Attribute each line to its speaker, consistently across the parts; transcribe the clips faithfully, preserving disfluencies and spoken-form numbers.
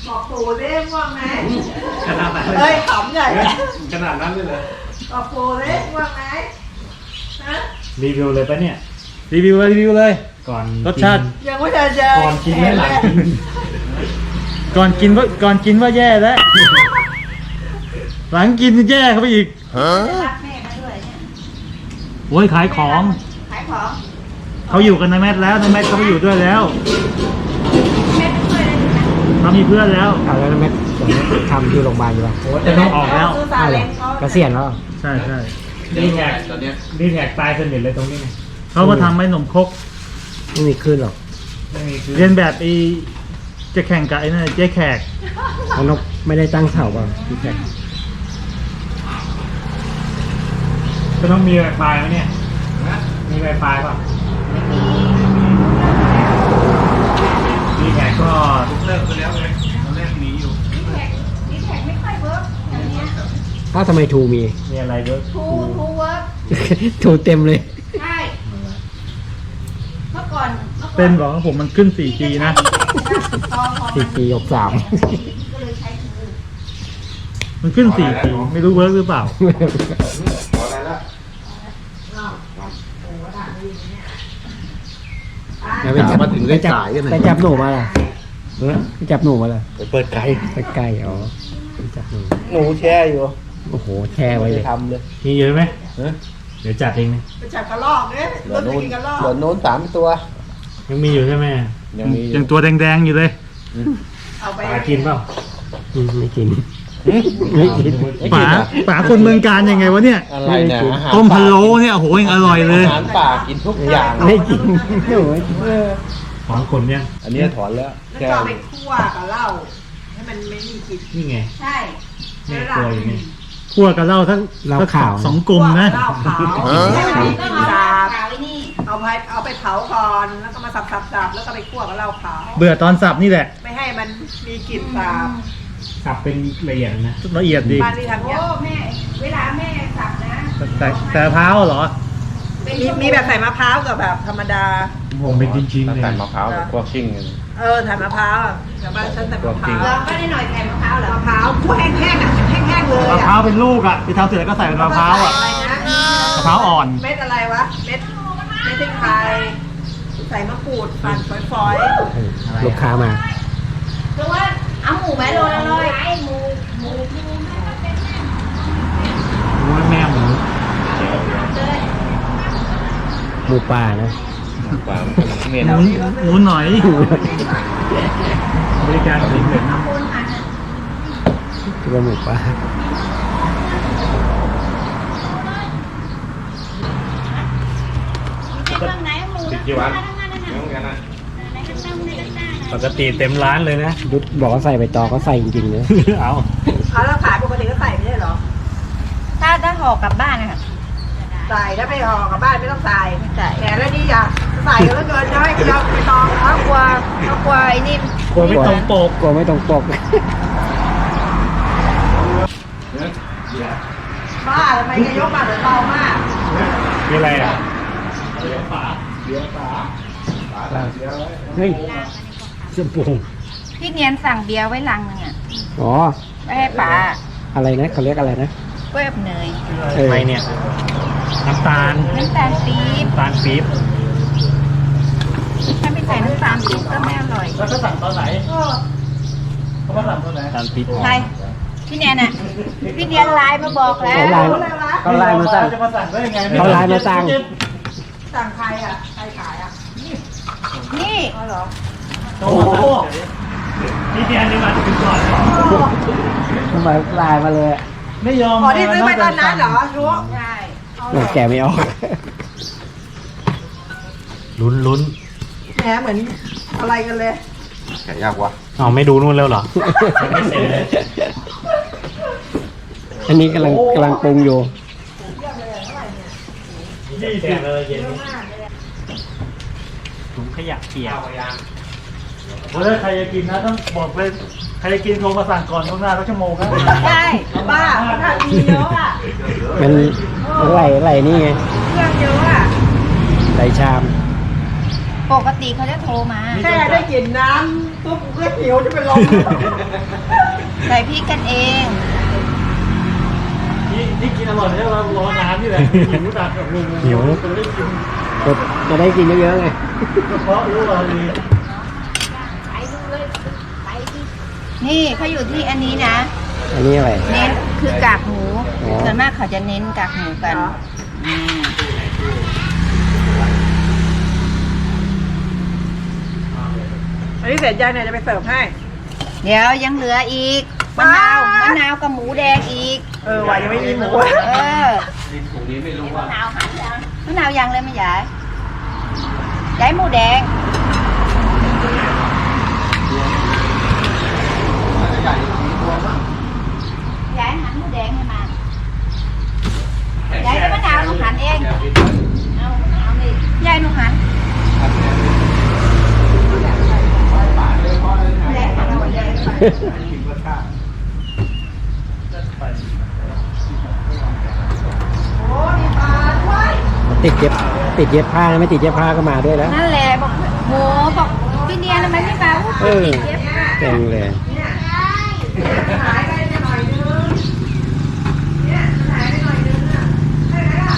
Speaker 1: บอกปู่เล่ง่วงไหม
Speaker 2: ขนาดนั้น
Speaker 1: เฮ้ยขำใหญ่
Speaker 2: ขนาดนั้นเลยเหรอ
Speaker 1: บอกปู่เล่ง่วงไหมฮะ
Speaker 3: รีวิวเลยปะเนี่ย
Speaker 4: รีวิวเลยรีวิวเลย
Speaker 3: ก่อน
Speaker 4: รสชาติ
Speaker 1: ยังไม่ทันจะ
Speaker 3: ก่อนกินไม่หลังกิน
Speaker 4: ก่อนกินว่าก่อนกินว่าแย่แล้ว หลังกินแย่เข้าไปอีก
Speaker 1: รักแม่มาด้วยเนี่ย
Speaker 4: โอ้ยขายของ
Speaker 1: ขายของ
Speaker 4: เขาอยู่กันในแมทแล้วในแมทเขาไปอยู่ด้วยแล้ว
Speaker 1: แม่ไปช่วยเลยนะ
Speaker 4: เขามีเพื่อนแล้ว
Speaker 5: เอาแล้วแม่ทำที่โรงพยาบาลอยู่ป่ะ
Speaker 3: โอ้จะต้องออกแล้ว
Speaker 1: ซื้อซาเล้งเขา
Speaker 5: เกษียณแล้ว
Speaker 4: ใช่ใช่
Speaker 3: รีแท็กตอนเนี้ยรีแท็กตายสนิทเลยตรงนี้ไง
Speaker 4: เขามาทำให้หนมครก
Speaker 5: ไม่มีขึ้นหรอก
Speaker 3: ไม่มีคือ
Speaker 4: เรียนแบบไอ้จะแข่งกับไอ้นั่นเจ๊แขก
Speaker 5: เอานกไม่ได้ตั้งเสาป่ะพี่แขก
Speaker 3: ก็ต้องมีไวไฟไหมเนี่ยมีไวไฟป่ะรีแท็กก็
Speaker 2: เลิกไปแล้วไงตอนแรกมีอยู่
Speaker 1: ดีแท็กดีแท็กไม่ค่อยเวิร์กอย่างเนี้ย
Speaker 5: ถ้าวทำไมทูมี
Speaker 3: มีอะไรด้วย
Speaker 1: ทูทูเวิร์ก
Speaker 5: ทูเต็มเลย
Speaker 1: ใช่เมื่อก่อนเมื่อก่อน
Speaker 4: เต้นบอกว่าผมมันขึ้น โฟร์จี นะ
Speaker 1: พอพอ
Speaker 5: สี่ปีหกสาม
Speaker 1: ก็เลยใช้ทู
Speaker 4: มันขึ้น โฟร์จี ไม่รู้เวิร์กหรือเปล่า
Speaker 2: ขออะไรละ
Speaker 5: ไปจับมาถึงได้จ่ายกันไปจับหนูมาล่ะเออไปจับหนูมาล่ะ
Speaker 2: ไปเปิดไก่
Speaker 5: ไปใกล้อ๋อไปจับหนู
Speaker 2: หนูแช่อยู่
Speaker 5: โอ้โหแช่ไว้เลย
Speaker 2: ทำเลย
Speaker 3: มีเยอะไหม
Speaker 2: เออ
Speaker 3: เดี๋ยวจัดเองนะ
Speaker 1: ไปจับกระรอกเนี่ย
Speaker 2: เหลื
Speaker 1: ร
Speaker 2: อ
Speaker 1: ถ
Speaker 2: โน้น
Speaker 1: กินกระรอก
Speaker 2: เหลือโน้นสามตัว
Speaker 3: ยังมีอยู่ใช่ไหม
Speaker 2: ยังมี
Speaker 4: ยังตัวแดงๆอยู่เลย
Speaker 1: เอาไป
Speaker 3: ปลากินเปล่า
Speaker 5: อืมไม่กินไม่กิน
Speaker 4: ป๋าป๋าคนเมืองการยังไงวะเนี่ย
Speaker 2: อะไรเนี่ยอาหาร
Speaker 4: ต้มพะโล้เนี่ยโอ้โหยังอร่อยเลย
Speaker 2: อาหารป่ากินทุกอย่าง
Speaker 5: ไม่กินหนูไม่กิน
Speaker 3: ของคนเนี่ย
Speaker 2: อันนี้ถอนแล้ว
Speaker 1: แล้ว
Speaker 2: แช่
Speaker 1: ก็เอาไปคั่วกับเหล้าให้มันไม่มีกลิ่น
Speaker 3: นี่ไง
Speaker 1: ใช่
Speaker 3: แม่ครัวอยู่นี่
Speaker 4: คั่วกับเหล้าทั้ง
Speaker 5: เหล้าขาว
Speaker 4: สองกลมนะ
Speaker 1: เหล้าขาวให้มันมีกลิ่นสาบเอาไปเอาไปเผาก่อนแล้วก็มาสับสับสับแล้วก็ไปคั่วกับเหล้าขาว
Speaker 4: เบื่อตอนสับนี่แหละ
Speaker 1: ไม่ให้มันมีกลิ่นสาบ
Speaker 3: สับเป็นละเอียดนะ
Speaker 4: ละเอียดดี
Speaker 1: บ้านที่ทำเนี่ย
Speaker 6: โอ้แม่เวลาแม่สับนะ
Speaker 4: แต่แต่มะพร้าวเหรอ
Speaker 1: มีมีแบบใส่มะพร้าวกับแบบธรรมดา
Speaker 3: ผมเป็นชิ้นๆ
Speaker 2: ตั้ง
Speaker 3: เลย
Speaker 2: แต่มะพร้าวกับพวกชิ่งกัน
Speaker 1: เออใส่มะพร้าวอะแต่บ้านฉันใส่มะพร้าว
Speaker 6: เราก็ได้หน่อยใส่มะพร้าวเหรอ
Speaker 1: มะพร้าวคั่วแห้งๆอ่ะแห้งๆเลย
Speaker 4: มะ
Speaker 1: อ่ะ
Speaker 4: พร้าวเป็นลูกอ่ะที่ทำเสร็จแล้วก็ใส่เป็นมะพร้าวอ่ะ
Speaker 1: อะไรนะ
Speaker 4: มะพร้าวอ่อน
Speaker 1: เม็ดอะไรวะเม็ดเม็ดพริกไทยใส่มะกรูดปั่นฝอย
Speaker 5: ลูกค้ามา
Speaker 6: คือว่าเอาหมูไหมโลละร้อยหมูหมู
Speaker 3: รู้ไหมแม่หมู
Speaker 5: หมูป่านะ
Speaker 2: ป่าเมียน
Speaker 4: หมูหมูหน่อย
Speaker 3: บริการสีเหลือง
Speaker 6: คนหัน
Speaker 5: คือว่าหมูป่า
Speaker 6: เครื่องไหนหมู
Speaker 2: ติดกี่วัน
Speaker 6: นั่นนั่นนั่น
Speaker 2: น้องกันนะ
Speaker 6: ในกระตั้งในกระตั้ง
Speaker 3: ปกติเต็มร้านเลยนะ
Speaker 5: ยุดบอกว่าใส่ใบตองก็ใส่จริงๆเลย
Speaker 3: เอา
Speaker 1: ๆเอาแล้วขายปกติก็ใส่ไม่ใช่เหรอ
Speaker 6: ถ้าถ้าห่อกลับบ้านนะคะ
Speaker 1: ใส่ถ้าไม่ห่อกลับบ้านไม่ต้องใส่แหมแล้วนี่อยากใส่กันแล้วเกินจะให้เราไปตอง
Speaker 6: เขากลัวเขากลัวไอ้นี่
Speaker 4: กลัวไม่ตรงปก
Speaker 5: กลัวไม่ตรงปก
Speaker 1: บ้าทำไมจะยกมาเหมือนเบามาก
Speaker 3: มีอะไรอ่ะ
Speaker 5: เฮ้ยเสื้อโป่ง
Speaker 6: พี่เนียนสั่งเบียร์ไว้ลังนึงอ่ะ
Speaker 5: อ๋อ
Speaker 6: ไว้ให้ป๋า
Speaker 5: อะไรนะเขาเรียกอะไรนะ
Speaker 6: กล้วยอบเนย
Speaker 5: เออ
Speaker 3: อะไรเนี่ย น้ำตาล
Speaker 6: น้ำตาลปี๊บ
Speaker 3: น้ำตาลปี๊บ
Speaker 6: ถ้าไม่ใส่น้ำตาลปี๊บก็ไม่อร่อย
Speaker 4: แล้วเขาสั่งตอนไหนเขามาสั่งตอนไหน
Speaker 3: น้ำตาลปี๊บ
Speaker 6: ใครพี่เนียนอ่ะพี่เนียนไลน์มาบอกแล้ว
Speaker 5: เขาไลน์
Speaker 1: รู้เลยวะ
Speaker 5: เขาไลน์มาสั่ง
Speaker 4: จะมาสั่งได้ยังไง
Speaker 5: เขาไลน์มาสั่ง
Speaker 1: สั่งใครอ่ะใครขายอ่ะ
Speaker 6: นี่
Speaker 1: อ๋อเหรอ
Speaker 4: โอ้โหนี่เดียนนี่มาถึงก่อน
Speaker 5: ทำไมไลน์มาเลยอะ
Speaker 4: ไม่ยอม
Speaker 1: อ๋อที่ซื้อไปตอนนั้นเหรอรู้
Speaker 6: ใช่
Speaker 5: หนูแกะไม่ออก
Speaker 3: ลุ้นลุ้น
Speaker 1: แหมเหมือนอะไรกันเลย
Speaker 2: แก่ยากวะ
Speaker 3: อ๋อไม่ดูนู่นแล้วเหรอไม่เสร็จเลย
Speaker 5: อันนี้กำลังกำลังปรุงอยู่
Speaker 4: ยี่สิบเลยเย็นถุงขยะเปียกเฮ้ยใครจะกินนะต้องบอกเลยใครจะกินโทรมาสั่งก่อนล่วงหน้าสักชั่วโมงนะ
Speaker 1: ใช่บ้าเขาทำดีเยอะอ่ะ
Speaker 5: มันมันไหลไหลนี่ไง
Speaker 1: เครื่องเยอะอ่ะ
Speaker 5: ไหลชาม
Speaker 6: ปกติเขาจะโทรมา
Speaker 1: แค่ได้กลิ่นน้ำตุ๊กกูก็หิวจะเป็นลม
Speaker 6: ใส่พริกกันเอง
Speaker 4: นี่นี่กินอร่อยเนี่ยเรารอน้ำนี่แหละหิวตัดกับลุง
Speaker 5: หิว
Speaker 4: จะได้กิน
Speaker 5: จะจะได้กินเยอะๆไง
Speaker 4: กระเพาะรู้ว่าดี
Speaker 6: นี่เขาอยู่ที่อันนี้นะ
Speaker 5: อันนี้อะไร
Speaker 6: เน้นคือกากหมู
Speaker 5: อ๋อ
Speaker 6: ส่วนมากเขาจะเน้นกากหมูกันอืม
Speaker 1: อันนี้เสร็จยังเนี่ยจะไปเสิร์ฟให้
Speaker 6: เดี๋ยวยังเหลืออีกมะนาวมะนาวกับหมูแดงอีก
Speaker 1: เออว่ายังไม่มีหมู
Speaker 6: เออ
Speaker 2: ตรงนี้ไม่รู้ว่า
Speaker 6: มะนาวหันยังมะนาวยังเลยไม่ยายยายหมูแดงยายหันหมูแดงให้มายายกับมะนาวหนูหันเองเอาเอานี่ยายหนูหันยายหันเอายายหัน
Speaker 1: โอ้มีปลาด้วย
Speaker 5: ติดเย็บติดเย็บผ้านะไม่ติดเย็บผ้าก็มาด้วยแล้ว
Speaker 6: นั่นแหละบอกโหบอกพี่เนียนทำไมไม่มา
Speaker 5: เออ
Speaker 6: ติดเย็บผ้า
Speaker 5: เก่งเลย
Speaker 1: หายไปหน่อยนึงเนี่ยหายไปหน่อยนึงอ่ะได้ไหมล่ะ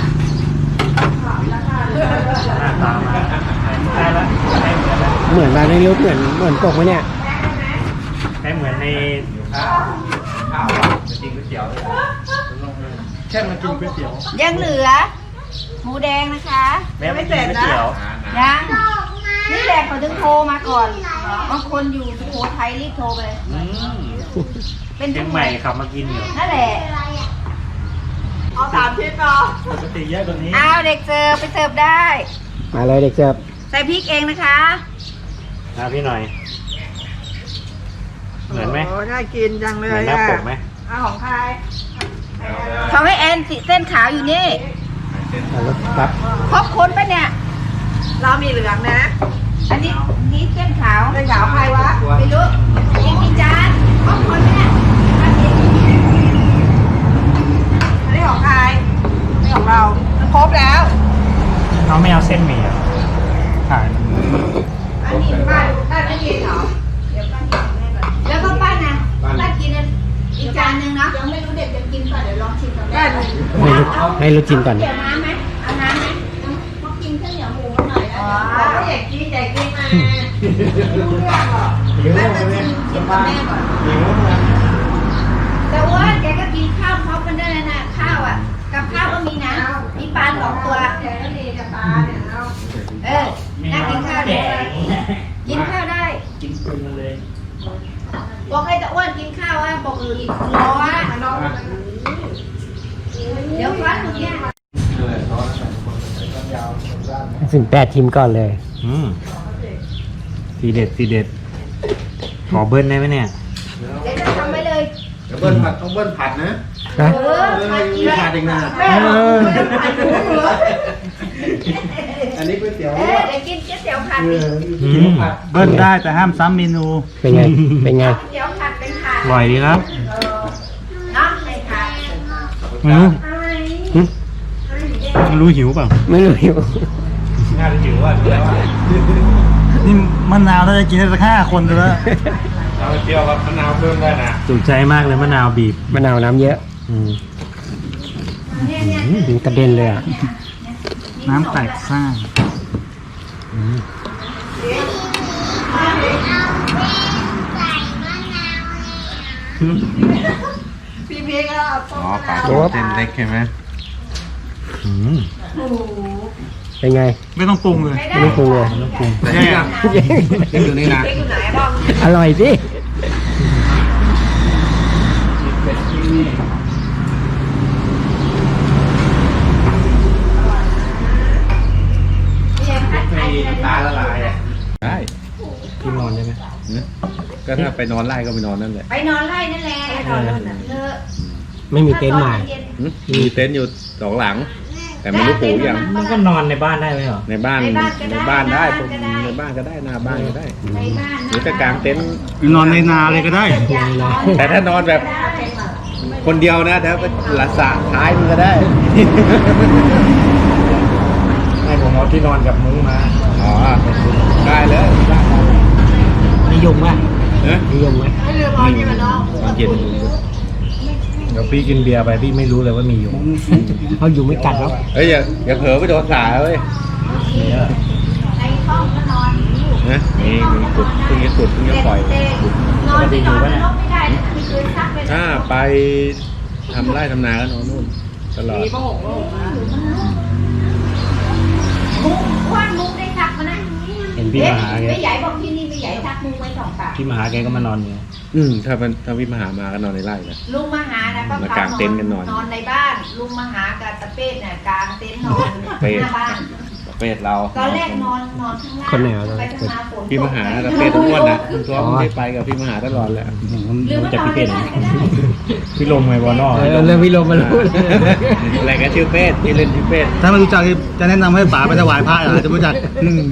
Speaker 4: หน้าตามาได้แล้วได้เหมือนแล้ว
Speaker 5: เหมือนมาในรูปเหมือนเหมือนปกไหมเนี่ย
Speaker 4: ได้เหมือนใน
Speaker 2: ข้าวข้าวอ่ะจะกินก๋วยเตี๋ยวเลย
Speaker 4: แค่มากินก๋วยเตี๋ยว
Speaker 6: ยังเหลือ หมูแดงนะคะ
Speaker 4: แม่ไม่กินก๋วยเตี๋ยว
Speaker 6: ยังนี่แหละเขาถึงโทรมาก่อนบางคนอยู่สุโขทัยรีบโทรไปเลย
Speaker 4: อืม
Speaker 6: เป็น
Speaker 4: เชียงใหม่ขับมากินอยู่
Speaker 6: นั่นแหละ
Speaker 1: เอาสามชิ้นเนาะ
Speaker 4: ปกติเยอะกว่านี้
Speaker 6: เอาเด็กเสิร์ฟไปเสิร์ฟได้
Speaker 5: มาเลยเด็กเสิร์ฟ
Speaker 6: ใส่พริกเองนะคะ
Speaker 4: นะพี่หน่อย เหมือนไหม
Speaker 1: โอ้น่ากินจังเล
Speaker 4: เหมือน
Speaker 1: ย
Speaker 4: หน้า
Speaker 1: อ่ะ
Speaker 4: ปกไหม
Speaker 1: เอาของใคร
Speaker 6: เขาให้แอนสิเส้นขาวอยู่นี่
Speaker 5: เอาแล้วปั๊บ
Speaker 6: ครบคนปะเนี่ย
Speaker 1: เรามีเหลืองนะ
Speaker 6: อันนี้นี่เส้นขาว
Speaker 1: เป็นขาวใครวะ
Speaker 6: ไม่รู้กินกี่จานครบคนปะเนี่ยอันนี้
Speaker 1: อันนี้ของใครนี่ของเรามันครบแล้ว
Speaker 4: เขาไม่เอาเส้นหมี่อ่ะถ่าย
Speaker 1: อันนี้ป้าป้าไม่กินเหรอ
Speaker 6: เดี๋ยวป้ากินให้ก่อนแล้วก็ป้านะป้ากินอีกจานหนึ่งเนาะยังไม่รู้เด็กจะกินป่ะเดี๋ยวลองชิมกัน
Speaker 1: ได้
Speaker 6: ได้
Speaker 5: ให้ลูกให้ลูกชิมก่อน
Speaker 6: เดี๋ยวน้ำไหมเอาน้ำไหมเขากินข้าวเหนียวหมูมาหน่อยอ๋อ
Speaker 1: เราก็อยากกินอยากกินมาไม่รู้เรื่องหรอก
Speaker 4: หิว
Speaker 6: แม่
Speaker 4: เล
Speaker 6: มาย ชิมชิมกับแม่ก่อน
Speaker 4: หิวเลย
Speaker 6: แต่ว่าแกก็กินข้าวพร้อมกันได้เลยนะข้าวอ่ะ กับข้าวก็มีนะมีปลาสองตัว
Speaker 1: เดี๋ยวก็ดีกับปลาเนี่ยเอา
Speaker 6: เออน่ากินข้าวเลยกินข้าวได้
Speaker 4: กินปืนมาเลย
Speaker 6: บอกให้ตะอ้วนกินข้าวอ่ะบอกอื่นร้อน
Speaker 1: มาลอง
Speaker 6: เดี๋ยวฟันตรงเนี้ย
Speaker 5: สิบแปดชิมก่อนเลย
Speaker 4: อืมทีเด็ดทีเด็ด ขอเบิ้ลได้ไหมเนี่ย
Speaker 6: เดี๋ยวจะทำไว้เลย
Speaker 2: เดี๋ยวเบิ้ลผัดต้องเบิ้ลผัดนะ
Speaker 5: นะ
Speaker 6: เออมากิน
Speaker 2: ไม่ผัดเองนะ
Speaker 1: แม่บอกไม่ต้องผัดหมูเหรอ
Speaker 2: อันนี้ก๋วยเตี๋ยว
Speaker 6: เออเดี๋ยวกินก๋วยเตี๋ยวผัดดิ
Speaker 4: อืมเบิ้ลได้แต่ห้ามซ้ำเมนู
Speaker 5: เป็นไง เป็นไง
Speaker 6: ก๋วยเตี๋ยวผัดเป็นถาด
Speaker 4: อร่อยดีครับ
Speaker 6: เนาะในถาด
Speaker 4: ไม่รู้
Speaker 5: หึ
Speaker 4: ไม่รู้หิวเปล่า
Speaker 5: ไม่รู้อยู่
Speaker 2: น่าจะหิวอ่ะแล้วอ่ะ
Speaker 4: นี่มะนาวน่าจะกินได้สักห้าคนเลยแล้ว
Speaker 2: เราเจียวกับมะนาวเพิ่มได้นะ
Speaker 4: จุใจมากเลยมะนาวบีบ
Speaker 5: มะนาวน้ำเยอะ
Speaker 4: อืม
Speaker 6: เนี่ยเนี่ย
Speaker 5: อืมกระเด็นเลยอ่ะ
Speaker 4: น้ำแตกซ่าน
Speaker 1: พี่พีก็เอาต้
Speaker 2: อ๋อ
Speaker 1: ม
Speaker 2: ปลา
Speaker 1: ะนาว
Speaker 2: เส้นเล็กใช่ไหม
Speaker 4: อืม
Speaker 5: เป็นไง
Speaker 4: ไม่ต้องปรุงเลย
Speaker 5: ไม่ต้องปรุงเลย
Speaker 4: ไม่ต้องปรุง
Speaker 2: แต่นี่นะนี่อยู่นี่นะ
Speaker 1: พริกอยู่ไหนบ้าง
Speaker 5: อร่อยสิ
Speaker 6: เนี่ยผัดไทย
Speaker 2: ตาละลายอ่ะได้
Speaker 4: พี่นอนได้ไหม
Speaker 2: นะก็ถ้าไปนอนไล่ก็ไปนอนนั่นแหละ
Speaker 6: ไปนอนไล่นั่นแหละไปนอนนู่นน่ะเออ
Speaker 5: ไม่มีเต็นท์ใหม่
Speaker 2: หึมีเต็นท์อยู่สองหลัง แต่ไม่รู้ปูยัง
Speaker 4: มันก็นอนในบ้านได้ไหมเหรอ
Speaker 2: ในบ้านในบ้านได้ผมในบ้านก็ได้หน้าบ้านก็ได้
Speaker 6: ในบ้าน
Speaker 2: หรือจะกางเต็นท์
Speaker 4: นอนในนาเลยก็ได้
Speaker 2: แต่ถ้านอนแบบคนเดียวนะเดี๋ยวไปละสะท้ายมันก็ได้
Speaker 4: ให้ผมเอาที่นอนกับมุ้งมา
Speaker 2: อ๋อได้เลย
Speaker 4: นี่
Speaker 5: ยุงป่ะ
Speaker 2: เอ๊ะ
Speaker 5: มียุงไหม
Speaker 1: ไม่ลืมเอานี่มาน้อง
Speaker 2: ตอนเย็น
Speaker 3: เดี๋ยวพี่กินเบียร์ไปพี่ไม่รู้เลยว่ามีอยู่
Speaker 5: เขายุงไม่กัดหรอก
Speaker 2: เฮ้ยอย่าอย่าเผลอไปโดนสายเว้ย
Speaker 6: ในห้องก็นอนอยู่
Speaker 2: นะนี่มีสุดเพิ่งจะสุดเพิ่งจะปล่อย
Speaker 6: เด็กๆนอนที่นอนในรถไม่ได้นะไม่เคยซักเลย
Speaker 2: ถ้าไปทำไร่ทำนาก็นอนนู่นตลอด
Speaker 1: มีผ้าห่มโลกนะ
Speaker 6: มุ้งว่านมุ้งได้ซักมานะ
Speaker 3: เห็นพี่มาหาแก
Speaker 6: ไม่ใหญ่บอกที่นี่ไม่ใหญ่ซักมุ้งไว้สองตา
Speaker 3: พี่มาหาแกก็มานอนอยู่
Speaker 2: อืมถ้ามันถ้าวิมหามาก็นอนในไร่นะ
Speaker 6: ลุงมาหานะก็
Speaker 2: มากางเต็นท์กันนอน
Speaker 6: นอนในบ้านลุงมาหากับตะเป้เนี่ยกางเต็นท์นอนหน้าบ้าน
Speaker 2: ประเภทเรา
Speaker 6: ตอนแรกนอนนอนข้างล่าง
Speaker 5: คนไหนวะ
Speaker 6: ไปข้างล่างฝนตก
Speaker 2: พี่มหาประเภททั้งวันนะคุณตัวไม่ได้ไปกับพี่มหาตลอดแหละ
Speaker 6: หรือ
Speaker 3: รู้
Speaker 6: ว่า
Speaker 3: จัก
Speaker 6: นอน
Speaker 3: พี่
Speaker 6: ใน
Speaker 3: เป็ด
Speaker 6: บ้านก็ได้
Speaker 3: พี่ลมไงวอนอ
Speaker 5: เออเรื่องวิโรมมารู้เลย
Speaker 2: อะไรก็ชื่อเป็ดที่เล่นชื่อเป็ด
Speaker 7: ถ้าไม่รู้จักจะแนะนำให้ป๋าไปถวายพระอาจจะรู้จัก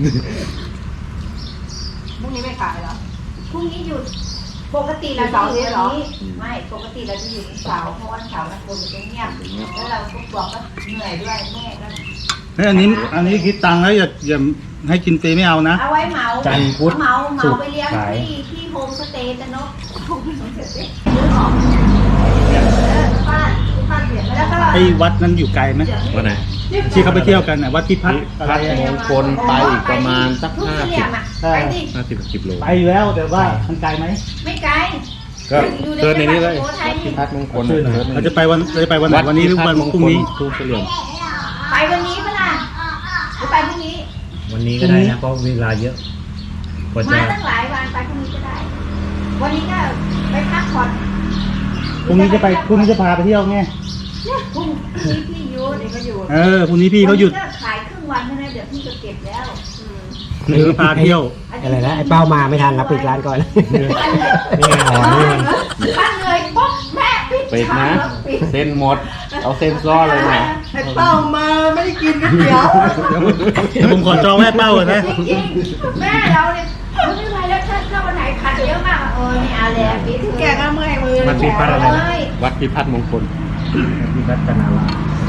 Speaker 1: พรุ่งนี้ไม่ขายเหรอ
Speaker 6: พรุ่งนี้หยุดปกติเราจะอยู่วันนี้ไม่ปกติเราจะอยู่วันเสาร์เพราะวันเสาร์มันคนมันจะเงียบแล้วเราก็บอกว่าเหนื่อยด้วยแม่ก็
Speaker 7: เฮ้ยอันนี้อันนี้คิดตังค์แล้วอย่าอย่าให้กินฟรีไม่เอานะ
Speaker 6: เอาไว้เหมา
Speaker 3: จันทร์พุธ
Speaker 6: เหมาเหมา
Speaker 3: ศุกร์
Speaker 6: ไปเลี้ยง
Speaker 3: ขาย
Speaker 6: ที่ที่โฮมสเตย์กันเนาะซื้อของเออบ้านบ้านเปลี่ยนแล้วก็
Speaker 7: ไอ้วัดนั้นอยู่ไกลไหม
Speaker 2: วันไหน
Speaker 7: ที่เขาไปเที่ยวกันน่ะวัดพิพัฒน์อะไร
Speaker 2: พัด
Speaker 7: อะ
Speaker 2: มงคลไปอีกประมาณสัก
Speaker 6: ลูก
Speaker 2: ห้า
Speaker 6: เสี่
Speaker 2: สิ
Speaker 6: ย
Speaker 2: บ
Speaker 6: มอ่ะไปดิ
Speaker 2: ห้าสิบสิบโล
Speaker 7: ไปอยู่แล้วแต่ว่ามันไกลไหม
Speaker 6: ไม่ไกล
Speaker 2: ก็เดินในนี้เลย
Speaker 6: อยู่ในจังหวัดสุโขทัยนี่
Speaker 2: พัดมงคล
Speaker 7: เราจะไปวันเราจะไปวันไหนวันนี้หรือวันพรุ่งนี้
Speaker 2: ทุ่งเฉลี่ยม
Speaker 6: ไปวันนี้ปะล่ะหรือไปพรุ่งนี้
Speaker 3: วันนี้ก็ได้นะเพราะเวลาเยอะกว่าจะ
Speaker 6: มาตั้งหลายวันไปพรุ่งนี้ก็ได้ วันนี้ก็ไปพักผ่อน
Speaker 7: พรุ่งนี้จะไปพรุ่งนี้จะพาไปเที่ยวไง
Speaker 6: พรุ่งนี้พี่หยุด
Speaker 1: นี่ก็อยู่
Speaker 7: เออพรุ่งนี้พี่เขาหยุด
Speaker 6: วันนี้ก็ขายครึ่งวันใช่ไหมเดี๋ยวพี่จะเก็บแล้ว
Speaker 7: เออพาเที่ยว
Speaker 5: อะไรนะไอ้เป้ามาไม่ทันรับปิดร้านก่อน
Speaker 3: นี่ไงอ๋อนี่มัน
Speaker 6: บ้านเลยปุ๊บแม่ปิด
Speaker 2: เป็ดนะ
Speaker 6: ปิด
Speaker 2: เส้นหมด เอาเส้นซ้อเลยนะ
Speaker 1: ไอ้เป้ามาไม่ได้กินก๋วยเตี๋ยว
Speaker 7: เดี๋ยวผมเดี๋ยวผมขอจองแม่เป้าก่อนนะ
Speaker 6: จริงๆแม่เราเนี่ยไม่ไหวแล้วถ้าถ้าวันไหนขัดเยอะมากเออไม่เอาแล้วปิดเถอะ
Speaker 1: แกก็เมื่อยมือ
Speaker 3: มันมีพัดอะไรนะ
Speaker 6: เอ้ย
Speaker 2: วัดพิพัฒน์มงคล
Speaker 3: พี่พัฒนาราม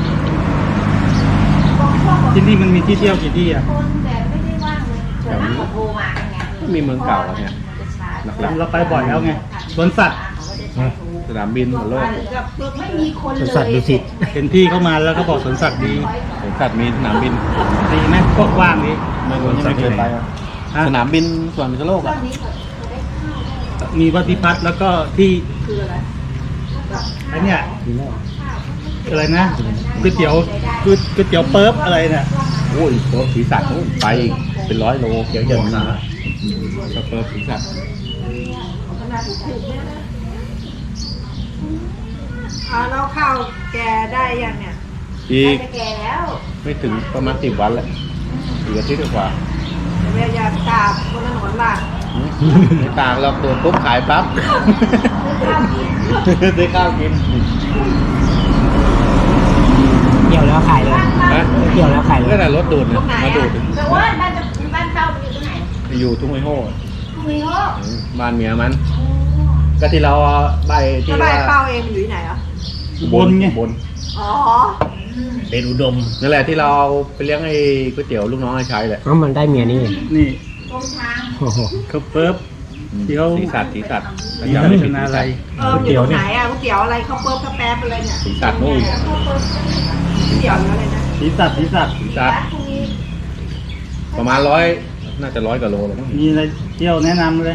Speaker 6: บอกพ่อบอก
Speaker 7: ที่นี่มันมีที่เที่ยวกี่ที่อ่ะ
Speaker 6: คนแต่ไม่ได้ว่างเลยส่วนมากเขาโทรมากันไง
Speaker 2: มีเมืองเก่าแล้วเนี่ย หลัก
Speaker 7: เราไปบ่อยแล้วไงสวนสัตว์
Speaker 2: สนามบินหมดโลก
Speaker 6: ไม่มีคนเลย
Speaker 5: สวนสัตว์ดุสิต
Speaker 7: เห็นพี่เขามาแล้วเขาบอกสวนสัตว์ดี
Speaker 2: สวนสัตว์มีสนามบิน
Speaker 7: ดีไหมกว้างๆนี้
Speaker 2: ไม่รู้ยังไม่เคยไปอะ
Speaker 7: ฮะ
Speaker 2: สนามบินสวนพิษณุโลก
Speaker 6: ตอ
Speaker 2: อะ
Speaker 6: นนี้เขาได้ข้าวได้
Speaker 7: มีวัดพิพัฒน์แล้วก็ที่
Speaker 1: คืออะไร
Speaker 7: ไอ้เนี่ยอะไรนะก๋วยเตี๋ยวก๋วยก๋วยเตี๋ยวเปิ๊บอะไรเนี่ย
Speaker 2: โอ้ยเปิบศีรษะโน่นไปอีกเป็นร้อยโลเยอะๆนะก็เปิบศีรษะ
Speaker 1: เอาแล้วข้าวแกได้ยังเนี่ย
Speaker 2: อีก
Speaker 6: จะแก่แล้ว
Speaker 2: ไม่ถึงประมาณสิบวันแหละอีกอาทิตย์กว่า
Speaker 1: เดี๋ยวอย่าตากบนถนนล่ะ
Speaker 2: ไม่ต่างหรอกโดนปุ๊บขายปั๊บ
Speaker 6: ข้าวกิน
Speaker 2: ได้ข้าวกิน
Speaker 5: เกี่ยวแล้วขายเลย
Speaker 2: ฮะ
Speaker 5: เกี่ยวแล้วขายเล
Speaker 2: ก็
Speaker 5: ย
Speaker 2: แต่รถดูดเนี่ยมาดูด
Speaker 6: แต่ว่าบ้านจะบ้านเช่ามันอยู่ตรงไหน
Speaker 2: อยู่ทุ่งไอโห่
Speaker 6: คุยโอ้
Speaker 2: บ้านเมียมัน ก็ที่เราใบที่
Speaker 1: แล้วใบ
Speaker 2: ว่า
Speaker 1: เป้าเองอยู่ที่ไหนอ่ะ
Speaker 7: บนไง
Speaker 2: บน
Speaker 1: อ๋อ
Speaker 3: เดนอุดม
Speaker 2: นั่นแหละที่เราไปเลี้ยงไอ้ก๋วยเตี๋ยวลูกน้องไอ้ชัยแหละ
Speaker 5: เพราะมันได้เมียนี่
Speaker 7: นี่
Speaker 6: ตรงทาง
Speaker 5: โอ้โห
Speaker 7: เขาเปิ๊บ ที่เขา
Speaker 2: สีสัตว์สีสัตว์
Speaker 7: มี
Speaker 2: จำ
Speaker 7: พั
Speaker 2: ไม่
Speaker 7: ฒ
Speaker 2: ผิด
Speaker 7: นาอะไร
Speaker 1: เอออยู่ตรงไหนอ่ะก๋วยเตี๋ยวอะไรข้าวเปิ๊บข้าวแป๊บอะไรเนี่ย
Speaker 2: สีสัตว์นู่น
Speaker 1: ก๋วยเตี๋ยวอยู่อะไรนะ
Speaker 7: สีสัตว์สีสัตว์
Speaker 2: สีสัตว์
Speaker 6: พรุ่งนี้
Speaker 2: ประมาณร้อยน่าจะร้อยกว่าโลเลยมั้ง
Speaker 7: มีอะไรเที่ยวแนะนำเลย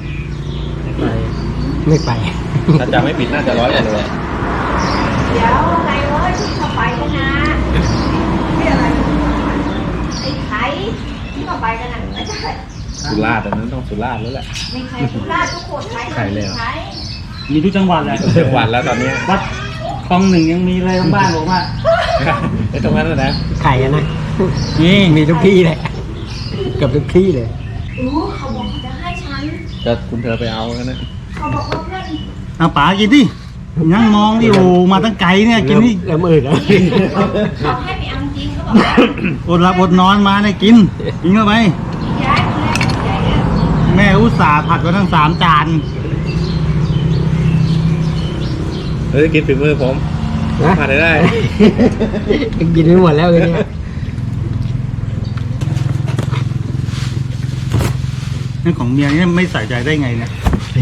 Speaker 5: ไม่ไป
Speaker 2: ถ้าจำไม่ผิดน่าจะร้อยกว่าโล
Speaker 6: เดี๋ยวไงเว้ยที่เข้าไปกันนะที่อะไรไอ้ไข่ที่เข้าไปกันนะไม่ใช่
Speaker 2: สุราษฎร์อันนั้นต้องสุราษฎร์แล้วแหละ
Speaker 6: ไม่ใช่ทุกราชทุกคนไข่
Speaker 2: ไข่เลยเหรอ
Speaker 6: ไข่
Speaker 7: มีทุกจังหวัดแหละ
Speaker 2: จังหวัดแล้วตอนเนี้ย
Speaker 7: วัดคลองหนึ่งยังมีเลยทั้งบ้านผมอ่ะ
Speaker 2: ไอ้ตรงนั้นนะนะ
Speaker 5: ขายกันนะ
Speaker 7: นี่
Speaker 5: มีทุกที่เลยเกือบทุกที่เลย
Speaker 6: อู้เขาบอกเขาจะให้ฉัน
Speaker 2: จะคุณเธอไปเอาแล้วนะ
Speaker 6: เขาบอกว่าเพื่อน
Speaker 7: เอาป๋ากินดิยังมองดิโอมาตั้งไกลเนี่ยกินนี่
Speaker 5: เริ่มอื่นแล้ว
Speaker 6: เขาให้ไปเอาจริงเขาบอก
Speaker 7: อดหลับอดนอนมาเนี่ยกินกินเข้าไป
Speaker 6: ย้ายคนแรกใหญ่อะ
Speaker 7: แม่อุตส่าห์ผัดมาทั้งสามจาน
Speaker 2: เฮ้ยกินฝีมือผม
Speaker 5: นะ
Speaker 2: ผ่านได้ได้
Speaker 5: กินไปหมดแล้วเลยเนี่ย
Speaker 7: นี่ของเมียนี่ไม่ใส่ใจได้ไงเนี่ย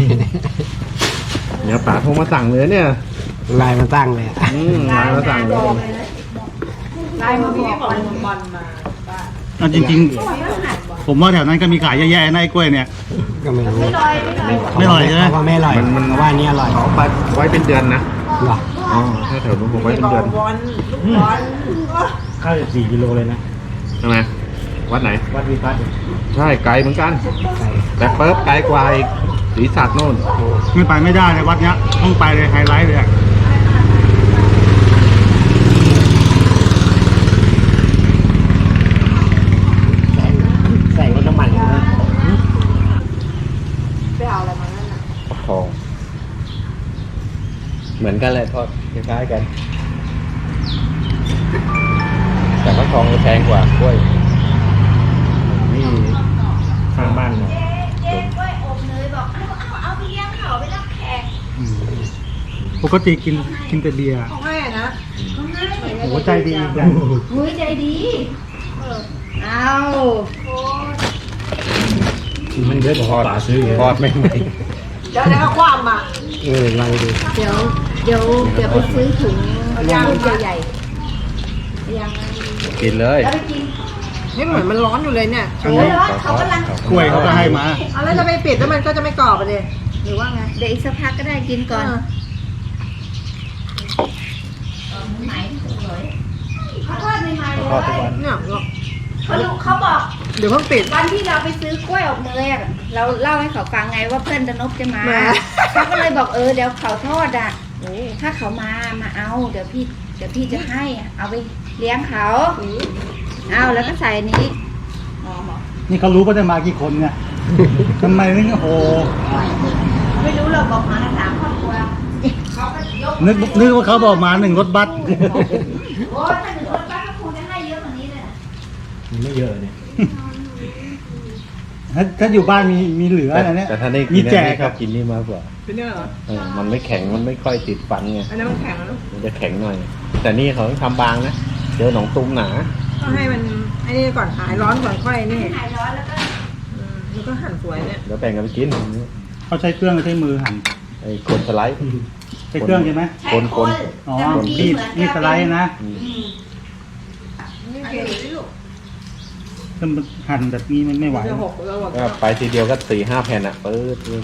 Speaker 2: เดี๋ยวป๋าโทรมาสั่งเลยเนี่ย
Speaker 5: ลายมาตั้งเลยอะ
Speaker 2: อืมมาแล้วสั่งเลย
Speaker 1: ไล่มาบอกบอลบอลมา
Speaker 7: เอาจริงๆ ผมว่าแถวนั้นก็มีขายเยอะแยะนะไอ้กล้วยเนี่ย
Speaker 5: ก็ไม่รู้
Speaker 7: ไม่อร่อยใช่ไหม
Speaker 5: เขาว่าไม่อร่อย
Speaker 2: มันมัน
Speaker 5: เขาว่าอันนี้อร่อย
Speaker 2: เขาไปไว้เป็นเดือนนะ
Speaker 5: หรอ
Speaker 2: อ๋อถ้าแถวนู้นผมไว้เป็น
Speaker 1: บอ
Speaker 2: เดื
Speaker 1: ล
Speaker 2: อน
Speaker 1: บอลลูกบอล
Speaker 3: ข้าวสี่กิโลเลยนะ
Speaker 2: ใช่ไหมวัดไหน
Speaker 3: วัดวิพัฒน์
Speaker 2: ใช่ไกลเหมือนกัน แต่เปิบไกลกว่าอีกศรีสักโน่น
Speaker 7: ไม่ไปไม่ได้เลยวัดเนี้ยต้องไปเลยไฮไลท์เลยอะ
Speaker 5: ใส่รถน้ำมันนะ
Speaker 1: ไปเอาอะไรมานั่นน่ะ
Speaker 2: ทอง เหมือนกันเลยทอดคล้ายๆกัน แต่ว่าทองจะแพงกว่ากล้วย
Speaker 3: นี่ข้างบ้านเนี่ย
Speaker 6: เจ๊กล้วยอบเนยบอกเอาเอาเอาไปเลี้ยงเขาไปรับแขก
Speaker 7: ปกติกินกินแต่เบียร์
Speaker 1: ของแม่นะ
Speaker 7: โอ้โหใจดีจัง
Speaker 6: หุ้ยใจดีเอา
Speaker 3: มันเยอะกว่าป่าซื้อเยอะ
Speaker 2: ทอดไม่ไหม
Speaker 1: เดี๋ยวแล้วก็ความอ่ะ
Speaker 5: เออลองดู
Speaker 6: เดี๋ยวเดี๋ยวเดี๋ยวไปซื้อถุงถุงใหญ่ๆยัง
Speaker 2: กินเลย
Speaker 6: แล้วไปกิน
Speaker 1: นี่เหมือนมันร้อนอยู่เลยเนี่ยโช
Speaker 6: เฮ้ย
Speaker 1: ว์
Speaker 6: ร้อนเขากำลัง
Speaker 7: กล้วยเขาก็ให้มา
Speaker 1: เอาแล้วจะไปปิดแล้วมันก็จะไม่กรอบไปเลยหรือว่าไง
Speaker 6: เดี๋ยวอีกสักพักก็ได้กินก่อน
Speaker 1: เออ
Speaker 6: ไหนเลยเขาทอดใหม่ๆเล
Speaker 2: ทอดทุกวัน
Speaker 6: ย
Speaker 1: เนี่ย
Speaker 6: เขาดูเขาบอก
Speaker 1: เดี๋ยวเพิ่งปิด
Speaker 6: วันที่เราไปซื้อกล้วยอบเนยอะเราเล่าให้เขาฟังไงว่าเพื่อนตะนบจะมา
Speaker 1: มา
Speaker 6: เขาก็เลยบอกเออเดี๋ยวเขาทอดอ่ะถ้าเขามามาเอาเดี๋ยวพี่เดี๋ยวพี่จะให้อะเอาไปเลี้ยงเขาเอาแล้วก็ใส่อันนี้หอมเหรอ
Speaker 7: นี่เขารู้ว่าจะมากี่คนเนี่ยทำไมนี่โอ้โห
Speaker 6: ไม่รู้เราบอกมาสามครอบครัวเขาก็ยก
Speaker 7: นึกนึกว่าเขาบอกมาหนึ่งรถบัส
Speaker 6: โอ้ถ้าหนึ่งคนป้าก็คงจะให้เยอะกว่านี้เลยนะ
Speaker 3: มันไม่เยอะเนี่ย
Speaker 7: ถ้าถ้าอยู่บ้านมีมีเหลืออะไรเนี่ย
Speaker 2: แต่ถ้าได้
Speaker 7: มี
Speaker 2: กิน
Speaker 7: แจ
Speaker 2: อัน
Speaker 7: ก
Speaker 2: นี้ชอบกินนี่มากกว่า
Speaker 1: เป็นเนี่ยเหรอ
Speaker 2: เออมันไม่แข็ง มันไม่ค่อยติดฟันไง
Speaker 1: อันนั้นมันแข็งแล้ว
Speaker 2: มันจะแข็งหน่อย แต่นี่เขาต้องทำบางนะ เจอหนองตุ้มหนา
Speaker 1: ต้องให้มันไอ้นี่ก่อนหายร้อนก่อนค่อยนี่
Speaker 6: หายร้อนแล้วก็
Speaker 1: อืมแล้วก็หั่นสวยเนี่ย
Speaker 2: เดี๋ยวแบ่งกันไปกิน
Speaker 7: เขาใช้เครื่องหรือใช้มือหั่น
Speaker 2: ไอ้คนสไลด์
Speaker 7: ใช้เครื่องใช่ไหม
Speaker 6: ใช้
Speaker 2: คน
Speaker 6: ค
Speaker 2: คน
Speaker 6: น
Speaker 7: อ๋อ
Speaker 6: แต่บางที
Speaker 7: มีด
Speaker 6: เหมือน
Speaker 7: มีดสไลด์นะ
Speaker 2: อืม
Speaker 6: อืม
Speaker 1: นี่เก่งที่ลูก
Speaker 7: ถ้ามันหั่นแบบนี้มันไม่ไหว
Speaker 1: จะหกแล้วหก
Speaker 2: ก็ไปทีเดียวก็สี่ห้าแผ่นอ่ะปื๊ดปื๊ด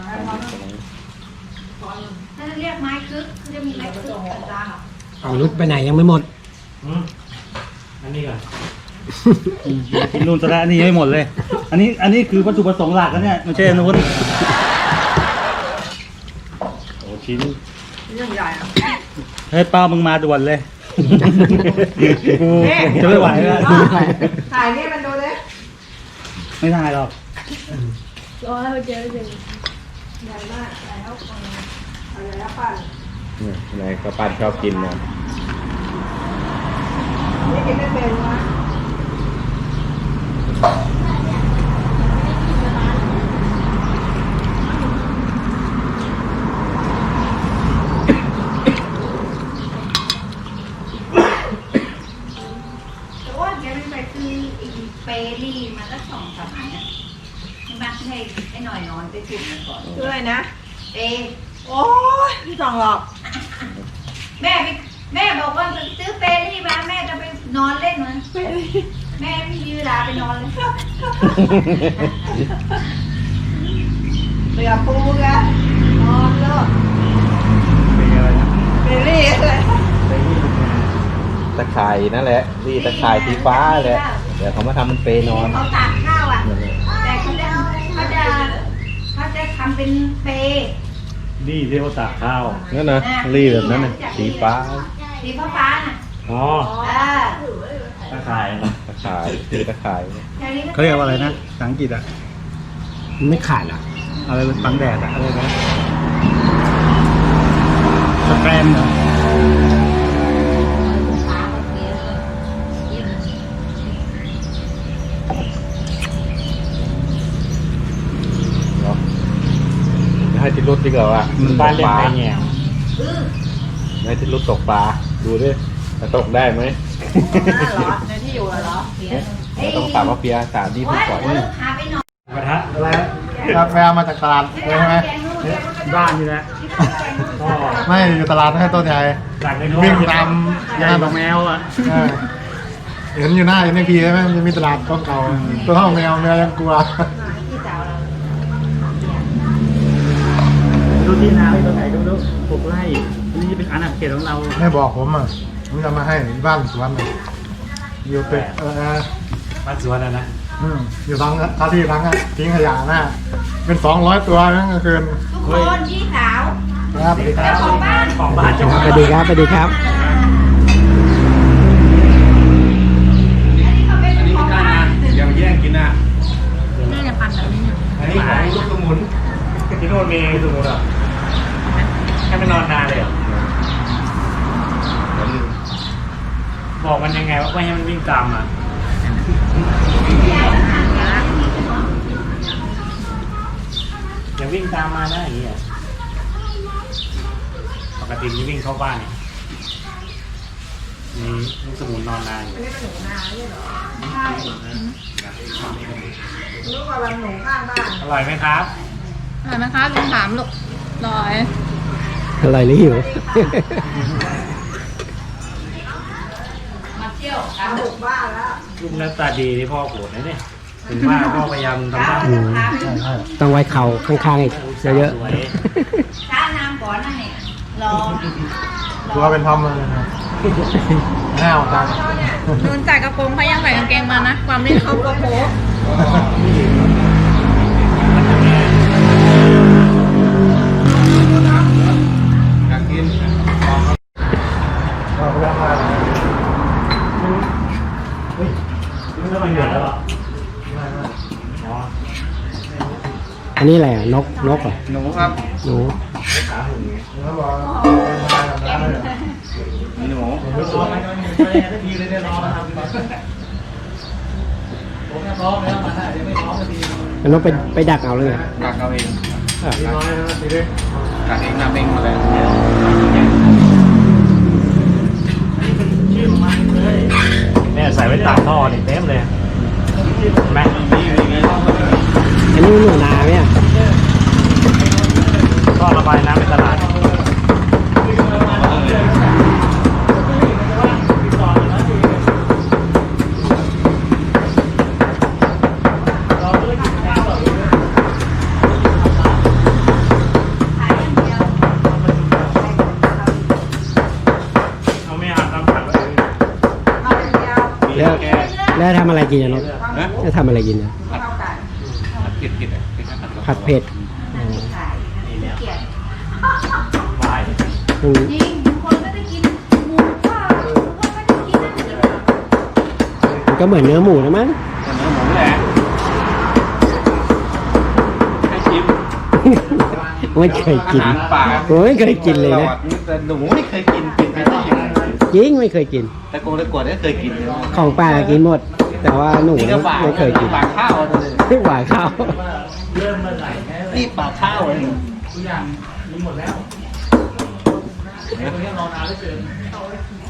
Speaker 6: ถ้าเรียกไม้คึกเขาจะมีไม้คึกต่าง
Speaker 5: เอารุดไปไหนยังไม่หมด
Speaker 3: อืมอันนี้ก่อน
Speaker 7: อืมกินนู่นซะแล้วอันนี้ยังไม่หมดเลย อันนี้อันนี้คือวัตถุประสงค์หลักนะเนี่ยไม่ใช่อนนุน
Speaker 2: โอ้ชิ้น
Speaker 1: เรื่องใหญ่อะ
Speaker 7: เฮ้ยเป้ามึงมาด่วนเลยกูจะไม่ไหวแล้ว
Speaker 1: ถ่ายนี่มันดูเลย
Speaker 7: ไม่ได้หรอก
Speaker 1: รอให้เจอจริงใหญ่มากแล้วอะไรแล้วปั่น
Speaker 2: เนี่ยนายก็ปั้นชอบกินนะ
Speaker 1: นี่กินไม่เป็นวะ
Speaker 6: ๆแต่ว่าแกไม่ไปซื้อไอ้เปรี่มาตั้งสองสามอันนะใช่ไหมให้ไอ้หน่อยนอนไปจุ่มมันก่อน
Speaker 1: คืออะไรนะ
Speaker 6: เป
Speaker 1: โอ้ยไม่ต้องหรอก
Speaker 6: แม่ไปแม่บอกว่าซื้อเปรี่มาแม่จะไปนอนเล่นมันแม่ไม่มีเวลาไปนอนเลย
Speaker 1: เรือปูไงนอนเลิก
Speaker 7: เป็นอะไรนะ
Speaker 1: เบลลี่อะไร
Speaker 2: ตะข่ายนั่นแหละนี่ตะข่ายสีฟ้าแหละเดี๋ยวเขามาทำมันเปนอน
Speaker 6: เขาตากข้าวอ่ะ
Speaker 2: นั่นแหละ
Speaker 6: แต่เขาจะเขาจะเขาจะทำเป็นเป
Speaker 3: นี่เรียกว่าตากข้าว
Speaker 2: นั่นนะรีแบบนั้นนะสีฟ้า
Speaker 6: สีฟ้าฟ้าน่ะ
Speaker 3: อ๋อ
Speaker 6: อ่า
Speaker 3: ตาข่าย
Speaker 2: ตะข่ายสีตะข่าย
Speaker 6: แถวนี้
Speaker 7: เขาเรียกว่าอะไรนะภาษาอังกฤษอะ
Speaker 5: มันไม่ขาดอ่ะ
Speaker 7: อะไรบังแดดอะอะไรนะสแกรมเหรอ
Speaker 2: เนาะให้ทิศรุดดีกว่าว่า
Speaker 3: บ้านเรียกไก่แง่ง
Speaker 2: ให้ทิศรุดตกปลาดูดิจะตกได้ไหม
Speaker 1: เหรอในที่อยู่เหรอ
Speaker 2: เราต้องถามว่าเปียสามที่
Speaker 6: โอ้
Speaker 2: ผู้
Speaker 6: ย
Speaker 2: ปล่อย
Speaker 6: เออพาไปนอน
Speaker 3: กระทะ
Speaker 7: อะไร
Speaker 3: ครับแววมาจากตลาดเลยใช่ไหม
Speaker 4: บ้านนี่แหละก็
Speaker 3: ไม่อยู่ตลาดให้ต้นใหญ่
Speaker 4: จากใน
Speaker 3: วิ่งตาม
Speaker 4: ใหญ่กว่าแมวอ่ะ
Speaker 3: เออเห็นอยู่หน้าเอ็นพีใช่ไหมมันจะมีตลาดต้นเก่าตัวเท่าแมวแมวยังกลัว
Speaker 4: ดูที่นาไอ้ตัวไหนดูดูหกไร่อันนี้เป็นอาณาเขตของเรา
Speaker 3: ไม่บอกผมอ่ะผมจะมาให้บ้านสวนน่ะอยู่ตึกเออ
Speaker 4: บ้านสวนนะนะ
Speaker 3: อืมอยู่ทั้งท่าที่ทั้งอะทิ้งขยะหน้าเป็นสองร้อยตัวนั่นก็คือ
Speaker 6: ทุกคนพี่สาว
Speaker 3: ครับสวัสดีครับ
Speaker 6: เจ้าของบ้าน
Speaker 4: ของบ้านเจ้าของ
Speaker 5: สวัสดีครับสวัสดีครับ
Speaker 2: อันนี้ไม่ได้นะอย่ามาแย่งกินนะ
Speaker 1: นี่เนี่ยพันแบบนี้เนี่ย
Speaker 2: อันนี้ของลูกสมุน
Speaker 4: ที่โน่นมีสมุนเหรอแค่ไม่นอนนานเลยเหรอบอกมันยังไงว่าไม่ให้มันวิ่งตามอ่ะอย่าวิ่งตามมานะอย่างเงี้ยปกติมันวิ่งเข้าบ้านเนี่ยมีลูกสมุนนอนนานอยู่
Speaker 1: รู้ว่าวันหนูข้างบ้าน
Speaker 4: อร่อยไหมครับ
Speaker 1: เห็นไหมคะลุงถามลูกลอย
Speaker 5: อะไรหรือหิว
Speaker 6: มาเที่ยว
Speaker 1: เอาบุกบ้านแล้ว
Speaker 4: ลูกหน้าตาดีที่พ่อโกรธนะเนี่ยถึงว่าพ่อพยายามทำได้
Speaker 5: อืมต้องไว้เข่าข้างๆอีกเยอะ
Speaker 4: สวย
Speaker 6: ช้าน้ำก่อนนั่นเนี่ยรอ
Speaker 3: ตัวเป็นทอมเลยนะหน้าออกจัง
Speaker 1: นูนใส่กระโปรงเขายังใส่กางเกงมานะ ความที่เขาโกโป
Speaker 2: อยากกิน
Speaker 3: เราก็มา
Speaker 4: เฮ้ยนี่ไม่เหนื่อยแล้วเหรออ๋อ
Speaker 5: อันนี้อะไรอ่ะนกนกเหรอ
Speaker 2: หนูครับ
Speaker 5: หนู
Speaker 4: ขาหุ่นไง
Speaker 3: แล้วบอกเป็นมาแบบนั้นเลย
Speaker 2: หนู
Speaker 4: ไม่รอไม่รอไม่รอสักทีเลยเนี่ยรอมาทำผมจะร้องแล้วมาได้เดี๋ยวไม่ร้องสักที
Speaker 5: มันต้องไปไปดักเอาเลยไง
Speaker 2: กักเอาเอง
Speaker 5: อ่ะ
Speaker 3: ดีน้อยนะดีดิ
Speaker 2: กักเองนำเองมาเลย
Speaker 4: ชื่อของมันเลยเนี่ยใส่ไว้ตากท่อนี่เต็มเลยเห็นไหม
Speaker 5: อันนี้หนูนาไหมอ่ะ
Speaker 4: ท่อระบายน้ำในตลาดเอาไม่อาบน้ำขัดไว้
Speaker 1: เอาอย่างเดียว
Speaker 2: มี
Speaker 5: แล้ว
Speaker 2: แก
Speaker 5: แล้วทำอะไรกินอ่ะนก
Speaker 2: นะ
Speaker 5: แล้วทำอะไรกินอ่ะ
Speaker 1: เข้ากัน
Speaker 2: ผัดเผ็ดเผ็ดอ่ะเป็นผัด
Speaker 5: ผัดเผ็ดอ๋อ
Speaker 4: นี่แล้ว
Speaker 6: เกลียด
Speaker 4: บาย
Speaker 5: อืม
Speaker 6: จริงบางคนไม่ได้กินหมูก็หมูก็ไม่ได้กินนะ
Speaker 5: มันก็เหมือนเนื้อหมูนะมั้ง
Speaker 2: เนื้อหมูแหละให้ชิม
Speaker 5: ไม่เคยกิน
Speaker 2: อาหารป่า
Speaker 5: ผมไม่เคยกินเลยนะ
Speaker 2: แต่หนูไม่เคยกินกินไปได้ยังไง
Speaker 5: จริงไม่เคยกิน
Speaker 2: แต่โกงแต่กวดได้เคยกินเลย
Speaker 5: ของป่ากินหมด แต่ว่าหนู
Speaker 2: นี่
Speaker 5: เนี่ย
Speaker 2: ก็ปาก
Speaker 5: ไม่เคยกิน
Speaker 2: ปากข้าวเลย
Speaker 5: ไม่หวานข้าว
Speaker 4: เริ่มเมื่อไหร่แค่
Speaker 2: นี่ปากข้าวเลย
Speaker 4: ทุกอย่างมีหมดแล้วตรงนี้รอนานเหลือเกิน